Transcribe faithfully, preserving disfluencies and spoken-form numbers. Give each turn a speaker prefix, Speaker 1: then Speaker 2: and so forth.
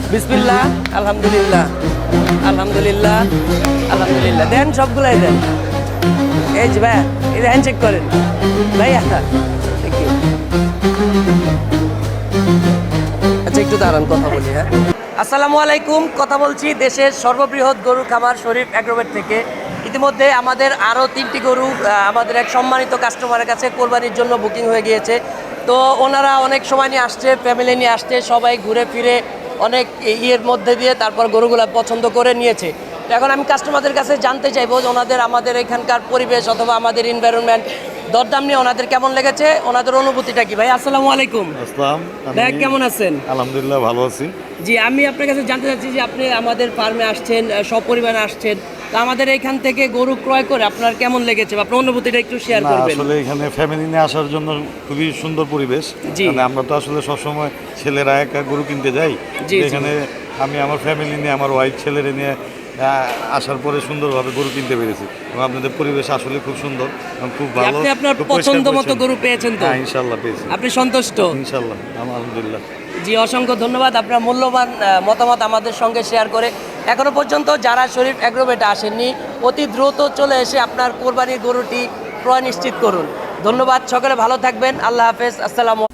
Speaker 1: বিসমিল্লাহ, আলহামদুলিল্লাহ, আলহামদুলিল্লাহ, আলহামদুলিল্লাহ। দেন, সবগুলাই দেন। এই যে ভাইয়া, এই হ্যান্ড চেক করেন ভাইয়া। Thank you. আচ্ছা, একটু দাঁড়ান, কথা বলি। হ্যাঁ, আসসালামু আলাইকুম। কথা বলছি দেশের সর্ববৃহৎ গরুর খামার শরীফ অ্যাগ্রোভেট থেকে। ইতিমধ্যে আমাদের আরও তিনটি গরু আহ, আমাদের এক সম্মানিত কাস্টমারের কাছে কোরবানির জন্য বুকিং হয়ে গিয়েছে। তো ওনারা অনেক সময় নিয়ে আসছে, ফ্যামিলি নিয়ে আসছে, সবাই ঘুরে ফিরে অনেক ইয়ের মধ্যে দিয়ে তারপর গরুগুলো পছন্দ করে নিয়েছে। তো এখন আমি কাস্টমারদের কাছে জানতে চাইবো যে ওনাদের আমাদের এখানকার পরিবেশ অথবা আমাদের এনভায়রনমেন্ট, দরদাম নিয়ে ওনাদের কেমন লেগেছে, ওনাদের অনুভূতিটা কি। ভাই আসসালামু আলাইকুম।
Speaker 2: আসসালাম।
Speaker 1: ভাই
Speaker 2: আমি
Speaker 1: কেমন আছেন?
Speaker 2: আলহামদুলিল্লাহ ভালো আছি।
Speaker 1: জি, আমি আপনার কাছে জানতে চাচ্ছি যে আপনি আমাদের ফার্মে আসছেন, আহ, সপরিবারে আসছেন, তো আমাদের এখান থেকে গরু ক্রয় করে আপনার কেমন লেগেছে বা আপনার অনুভূতিটা একটু শেয়ার
Speaker 2: না,
Speaker 1: করবেন।
Speaker 2: আসলে এখানে ফ্যামিলি নিয়ে আসার জন্য খুবই সুন্দর পরিবেশ।
Speaker 1: জি।
Speaker 2: মানে আমরা তো আসলে সবসময় ছেলেরা একা গরু কিনতে যাই।
Speaker 1: জি, জি।
Speaker 2: এখানে আমি আমার ফ্যামিলি নিয়ে, আমার ওয়াইফ, ছেলেরে নিয়ে আহ, আসার পরে সুন্দরভাবে গরু কিনতে পেরেছি এবং আপনাদের পরিবেশ আসলে খুব সুন্দর এবং খুব ভালো।
Speaker 1: আপনি আপনার
Speaker 2: খুব পরিষ্কার
Speaker 1: পছন্দ মতো
Speaker 2: পরিচ্ছন্ন।
Speaker 1: গরু পেয়েছেন তো?
Speaker 2: হ্যাঁ, ইনশাল্লাহ পেয়েছি।
Speaker 1: আপনি সন্তুষ্ট?
Speaker 2: ইনশাল্লাহ, আলহামদুলিল্লাহ।
Speaker 1: জি, অসংখ্য ধন্যবাদ আপনার মূল্যবান আহ, মতামত আমাদের সঙ্গে শেয়ার করে। এখনো পর্যন্ত যারা শরীফ অ্যাগ্রোভেটে আসেননি, অতি দ্রুত চলে এসে আপনার কোরবানির গরুটি ক্রয় নিশ্চিত করুন। ধন্যবাদ, সকলে ভালো থাকবেন। আল্লাহ হাফেজ, আসসালামু